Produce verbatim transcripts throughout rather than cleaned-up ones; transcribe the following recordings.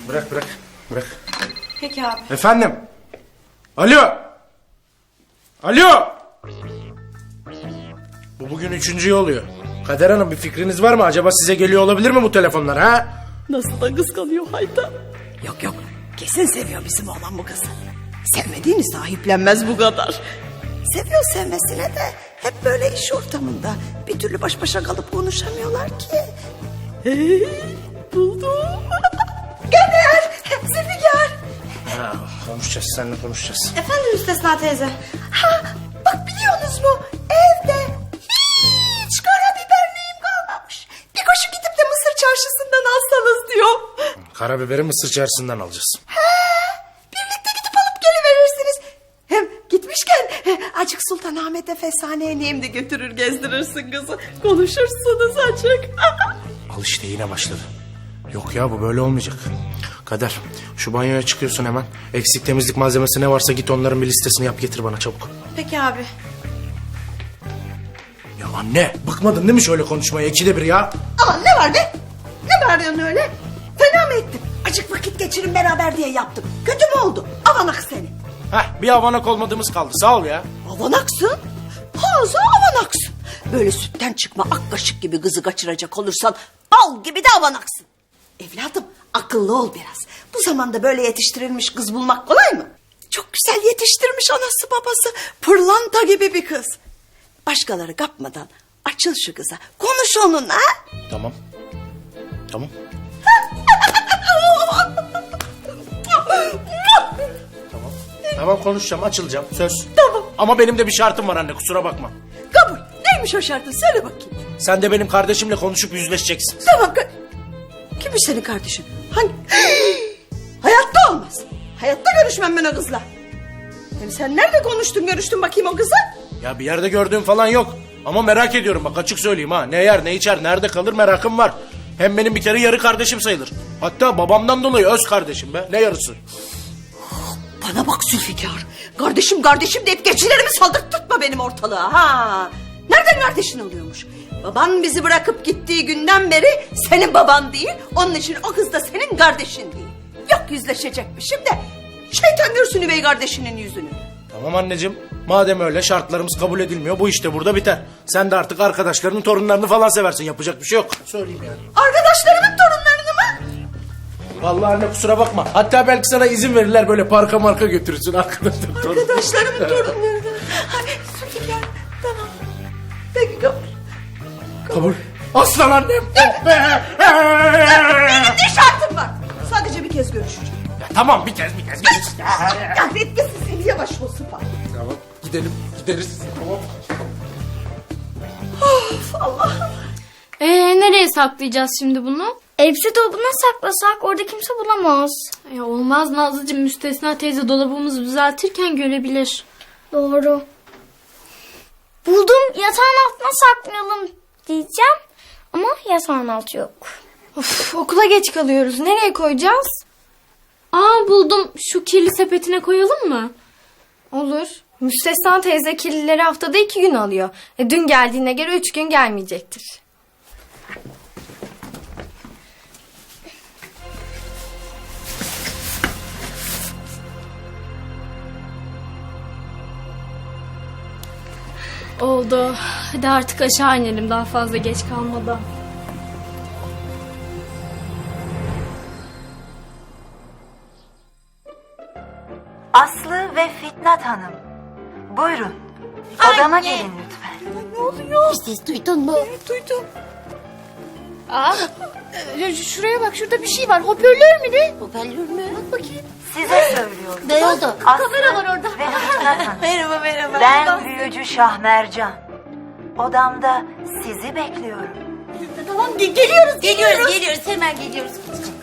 Bırak bırak. Bırak. Peki abi. Efendim. Alo. Alo. Bu bugün üçüncüyü oluyor. Kader Hanım bir fikriniz var mı? Acaba size geliyor olabilir mi bu telefonlar ha? Nasıl da kıskanıyor Hayta. Yok yok. Kesin seviyor bizim oğlan bu kızı. Sevmediğini sahiplenmez bu kadar. Seviyor sevmesine de hep böyle iş ortamında. Bir türlü baş başa kalıp konuşamıyorlar ki. Hey, buldum. Kader, Zülfikar. Ha, konuşacağız, seninle konuşacağız. Efendim Müstesna teyze. Ha, bak biliyorsunuz mu? Evde hiç karabiber neyim kalmamış. Bir koşu gidip de Mısır çarşısından alsanız diyor. Karabiberi Mısır çarşısından alacağız. He, birlikte gidip alıp geliverirsiniz. Hem gitmişken he, acık Sultanahmet'e Fesane'ye neyim de götürür gezdirirsin kızı. Konuşursunuz acık. Al işte yine başladı. Yok ya bu böyle olmayacak. Kader şu banyoya çıkıyorsun hemen. Eksik temizlik malzemesi ne varsa git onların bir listesini yap getir bana çabuk. Peki abi. Ya anne bıkmadın değil mi şöyle konuşmaya ikide bir ya? Aman ne var be? Ne bağırıyorsun öyle? Fena mı ettim? Acık vakit geçirin beraber diye yaptım. Kötü mü oldu? Avanak seni. Heh bir avanak olmadığımız kaldı sağ ol ya. Avanaksın. Haza avanaksın. Böyle sütten çıkma ak kaşık gibi kızı kaçıracak olursan bal gibi de avanaksın. Evladım akıllı ol biraz. Bu zamanda böyle yetiştirilmiş kız bulmak kolay mı? Çok güzel yetiştirmiş anası babası. Pırlanta gibi bir kız. Başkaları kapmadan açıl şu kıza. Konuş onunla. Tamam. Tamam. Tamam. Tamam konuşacağım açılacağım söz. Tamam. Ama benim de bir şartım var anne kusura bakma. Kabul. Neymiş o şartın? Söyle bakayım. Sen de benim kardeşimle konuşup yüzleşeceksin. Tamam. Kimmiş senin kardeşin? Hangi? Hayatta olmaz. Hayatta görüşmem ben o kızla. Hem sen nerede konuştun görüştün bakayım o kızla? Ya bir yerde gördüğüm falan yok. Ama merak ediyorum bak açık söyleyeyim ha. Ne yer ne içer nerede kalır merakım var. Hem benim bir kere yarı kardeşim sayılır. Hatta babamdan dolayı öz kardeşim be. Ne yarısı? Bana bak Zülfikar. Kardeşim kardeşim deyip geçilerimi saldırtma benim ortalığa. Ha. Nereden kardeşin oluyormuş? Baban bizi bırakıp gittiği günden beri senin baban değil. Onun için o kız da senin kardeşin değil. Yok yüzleşecekmişim de şeytan görsün üvey kardeşinin yüzünü. Tamam anneciğim. Madem öyle şartlarımız kabul edilmiyor bu işte burada biter. Sen de artık arkadaşlarının torunlarını falan seversin. Yapacak bir şey yok. Söyleyeyim yani. Arkadaşlarımın torunlarını mı? Vallahi anne kusura bakma. Hatta belki sana izin verirler böyle parka marka götürürsün arkadaşlarım. Arkadaşlarımın torunlarını. Hadi Zülfikar tamam. Peki kabul. Kabul. Aslan annem. Benim ne şartım var? Sadece bir kez görüşeceğim. Ya tamam bir kez bir kez. Bir kez. Gaflet kesin seni yavaş ol sıpa. Tamam gidelim gideriz. Tamam. Of Allah'ım. Ee, nereye saklayacağız şimdi bunu? Elbise dolabına saklasak orada kimse bulamaz. Ya olmaz Nazlıcığım, Müstesna teyze dolabımızı düzeltirken görebilir. Doğru. Buldum, yatağın altına saklayalım diyeceğim. Ama yatağın altı yok. Of, okula geç kalıyoruz. Nereye koyacağız? Aa buldum, şu kirli sepetine koyalım mı? Olur. Müstesna teyze kirlileri haftada iki gün alıyor. E, dün geldiğine göre üç gün gelmeyecektir. Oldu. Hadi artık aşağı inelim daha fazla geç kalmadan. Aslı ve Fitnat Hanım. Buyurun. Odama gelin lütfen. Ne oluyor? Bir ses duydun mu? Evet duydum. Aa, e, şuraya bak, şurada bir şey var. Hoparlör mü ne? Hoparlör mü? Bak bakayım. Size söylüyorum. Ne oldu? Aslı kamera var orada. Ve Fitnat Hanım. Merhaba merhaba. Ben büyücü Şahmercan. Odamda sizi bekliyorum. Tamam ge- geliyoruz geliyoruz. Geliyoruz, geliyoruz. Hemen geliyoruz.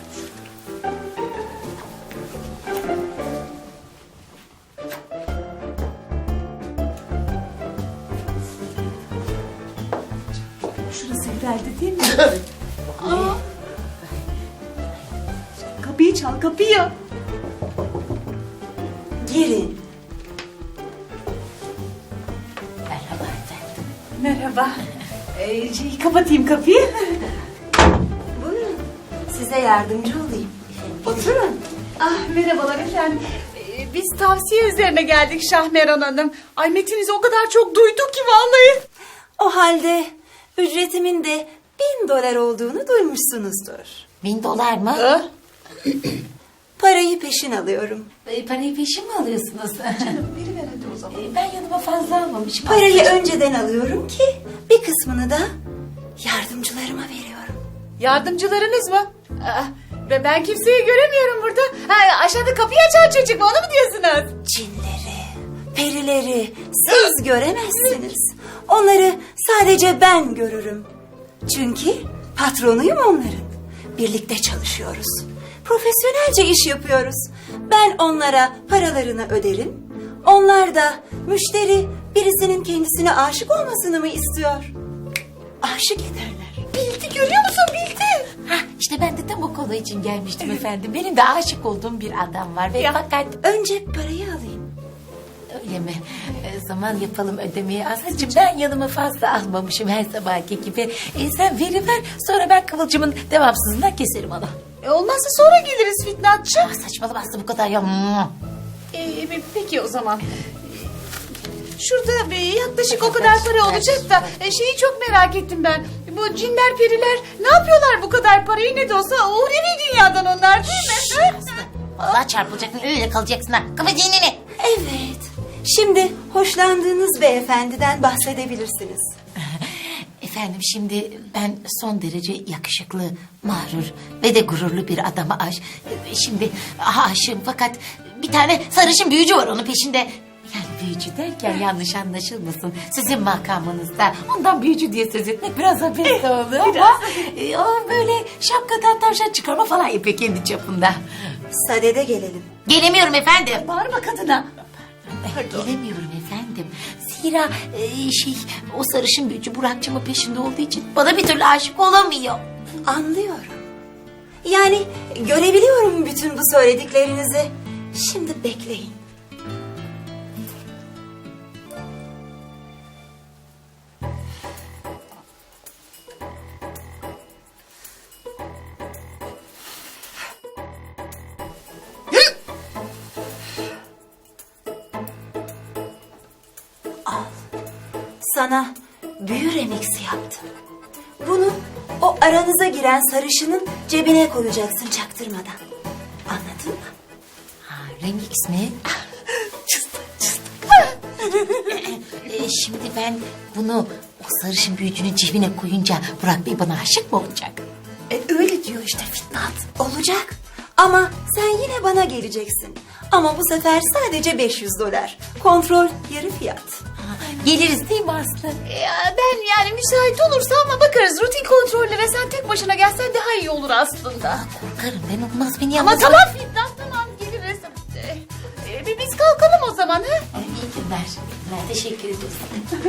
Şurası herhalde değil mi? Aa. Kapıyı çal kapıyı. Girin. Merhaba efendim. Merhaba. Ee, şey, kapatayım kapıyı. Buyurun. Size yardımcı olayım. Otur Oturun. Ah merhabalar efendim. Ee, Biz tavsiye üzerine geldik Şahmeran Hanım. Ay metinizi o kadar çok duyduk ki vallahi. O halde ücretimin de bin dolar olduğunu duymuşsunuzdur. Bin dolar mı? Ah, Parayı peşin alıyorum. E, parayı peşin mi alıyorsunuz? veriver hadi o zaman. E, ben yanıma fazla almamışım. Parayı önceden alıyorum ki bir kısmını da yardımcılarıma veriyorum. Yardımcılarınız mı? Ah, ve ben kimseyi göremiyorum burada. Ha, aşağıda kapıyı açan çocuk mu onu mu diyorsunuz? Cinleri, perileri siz göremezsiniz. Onları sadece ben görürüm. Çünkü patronuyum onların. Birlikte çalışıyoruz. Profesyonelce iş yapıyoruz. Ben onlara paralarını öderim. Onlar da müşteri birisinin kendisine aşık olmasını mı istiyor? Aşık ederler. Bildi görüyor musun bildi. Hah, işte ben de tam o konu için gelmiştim efendim. Benim de aşık olduğum bir adam var ve fakat Önce parayı alayım. öyle mi? E, zaman yapalım ödemeyi. Aslıcığım ben yanıma fazla almamışım her sabahki gibi. E, sen veriver sonra ben Kıvılcım'ın devamsızından keserim onu. E, olmazsa sonra geliriz Fitnatçı. Ah, saçmalama Aslı bu kadar ya. Ee, peki o zaman. Şurada bir yaklaşık o kadar para olacak da e, şeyi çok merak ettim ben. Bu cinler periler ne yapıyorlar bu kadar parayı ne de olsa uhrevi dünyadan onlar değil mi? Aslı vallahi çarpılacaksın öyle kalacaksın ha. Kafa dinini. Evet. Şimdi hoşlandığınız beyefendiden bahsedebilirsiniz. Efendim şimdi ben son derece yakışıklı, mağrur ve de gururlu bir adama aş... Şimdi aşığım fakat bir tane sarışın büyücü var onun peşinde. Yani büyücü derken yanlış anlaşılmasın. Sizin makamınızda ondan büyücü diye söz etmek biraz abes oldu ama... e, o böyle şapkadan tavşan çıkarma falan yapıyor kendi çapında. Sadede gelelim. Gelemiyorum efendim. Bağırma kadına. Gelemiyorum efendim. Zira e, şey o sarışın büyücü Burak'cığımın peşinde olduğu için bana bir türlü aşık olamıyor. Anlıyorum. Yani görebiliyorum bütün bu söylediklerinizi. Şimdi bekleyin. Al. Sana büyü remixi yaptım. Bunu o aranıza giren sarışının cebine koyacaksın çaktırmadan. Anladın mı? Ha, rengi ismi? e, şimdi ben bunu o sarışın büyücünün cebine koyunca Burak Bey bana aşık mı olacak? E, öyle diyor işte Fitnat. Olacak. Ama sen yine bana geleceksin. Ama bu sefer sadece beş yüz dolar. Kontrol yarı fiyat. Ha, geliriz değil mi Aslı? Ya ben yani müsait olursa ama bakarız rutin kontrollere sen tek başına gelsen daha iyi olur aslında. Korkarım ben olmaz beni Ama yalnız... tamam Fitnat tamam geliriz. Ee, e, bir biz kalkalım o zaman ha? Ay, İyi günler. Ben teşekkür ederiz.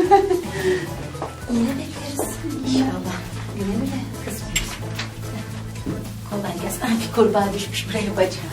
Yine bekleriz. İnşallah. Güle güle kızım. Kolay gelsin. Ay, bir kurbağa düşmüş buraya bacağım.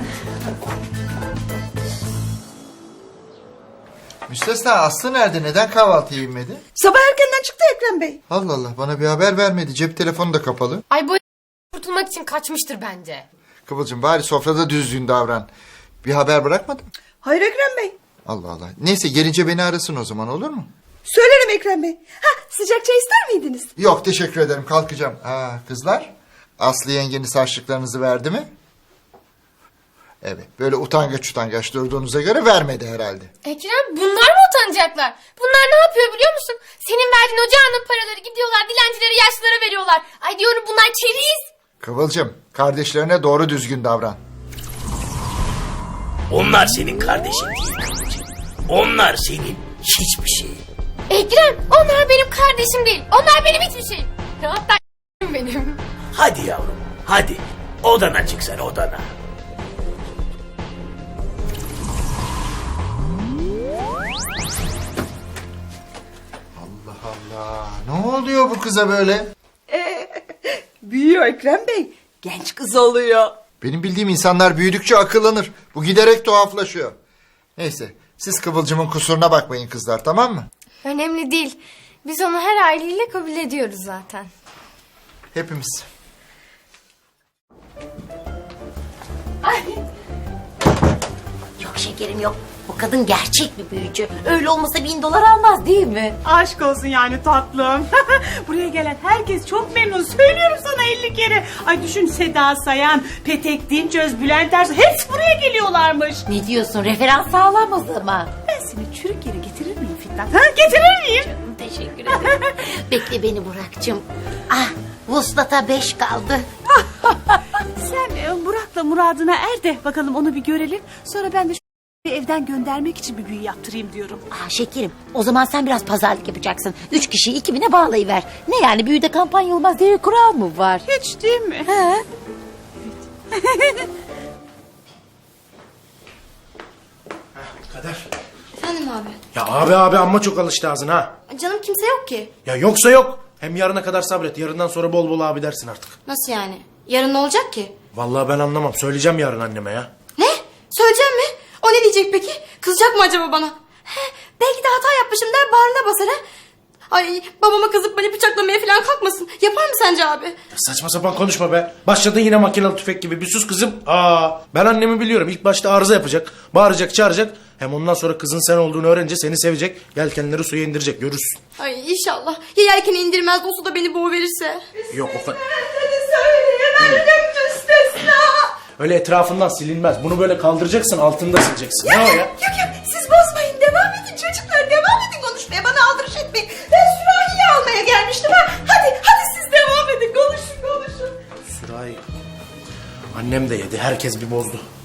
Müstesna Aslı nerede? Neden kahvaltıya inmedi? Sabah erkenden çıktı Ekrem Bey. Allah Allah bana bir haber vermedi. Cep telefonu da kapalı. Ay bu kurtulmak için kaçmıştır bence. Kıvılcım bari sofrada düzgün davran. Bir haber bırakmadın mı? Hayır Ekrem Bey. Allah Allah. Neyse gelince beni arasın o zaman olur mu? Söylerim Ekrem Bey. Ha sıcak çay ister miydiniz? Yok teşekkür ederim kalkacağım. Ha, kızlar Aslı yengeniz harçlıklarınızı verdi mi? Evet böyle utangaç utangaç durduğunuza göre vermedi herhalde. Ekrem bunlar mı utanacaklar? Bunlar ne yapıyor biliyor musun? Senin verdiğin ocağının paraları gidiyorlar dilencilere yaşlılara veriyorlar. Ay diyorum bunlar keriz. Kıvılcım kardeşlerine doğru düzgün davran. Onlar senin kardeşin değil. Onlar senin hiçbir şey. Ekrem onlar benim kardeşim değil. Onlar benim hiçbir şey. Hatta benim. Hadi yavrum, hadi. Odana çık sen odana. Allah Allah. Ne oluyor bu kıza böyle? Büyüyor Ekrem Bey. Genç kız oluyor. Benim bildiğim insanlar büyüdükçe akıllanır. Bu giderek tuhaflaşıyor. Neyse siz Kıvılcım'ın kusuruna bakmayın kızlar tamam mı? Önemli değil. Biz onu her haliyle kabul ediyoruz zaten. Hepimiz. Ay. Yok şekerim yok. Bu kadın gerçek bir büyücü. Öyle olmasa bin dolar almaz değil mi? Aşk olsun yani tatlım. Buraya gelen herkes çok memnun. Söylüyorum sana elli kere. Ay düşün, Seda Sayan, Petek Dinçöz, Bülent Ersoy hepsi buraya geliyorlarmış. Ne diyorsun? Referans sağlam o zaman. Ben seni çürük yere getirir miyim Fitnat? Ha, getirir miyim? Teşekkür ederim. Bekle beni Burak'cığım. Ah, vuslata beş kaldı. Sen e, Burak'la muradına er de bakalım onu bir görelim. Sonra ben de şu evden göndermek için bir büyü yaptırayım diyorum. Ah şekerim, o zaman sen biraz pazarlık yapacaksın. Üç kişiyi iki bine bağlayıver. Ne yani, büyüde kampanya olmaz diye bir kural mı var? Hiç değil mi? He? Kader. Efendim abi. Ya abi abi amma çok alıştı ağzına ha. Canım kimse yok ki. Ya yoksa yok. Hem yarına kadar sabret. Yarından sonra bol bol abi dersin artık. Nasıl yani? Yarın ne olacak ki? Vallahi ben anlamam. Söyleyeceğim yarın anneme ya. Ne? Söyleyeceğim mi? O ne diyecek peki? Kızacak mı acaba bana? He, belki de hata yapmışım der, bağrına basar ha. Ay babama kızıp beni bıçaklamaya falan kalkmasın. Yapar mı sence abi? Ya saçma sapan konuşma be. Başladın yine makinalı tüfek gibi. Bir sus kızım. Aa, ben annemi biliyorum. İlk başta arıza yapacak. Bağıracak, çağıracak. Hem ondan sonra kızın sen olduğunu öğrenince seni sevecek. Yelkenleri suya indirecek. Görürsün. Ay inşallah. Ya yelkeni indirmez de o suda beni boğuverirse? Yok o kadar. Söyleyemedim müstesna. Öyle etrafından silinmez. Bunu böyle kaldıracaksın, altında sileceksin. Ne o ya? Yok yok, siz bozmayın, devam edin çocuklar, devam edin konuşmaya, bana aldırış etmeyin. Ben sürahiyi almaya gelmiştim ha. Hadi hadi siz devam edin, konuşun konuşun. Sürahi. Annem de yedi. Herkes bir bozdu.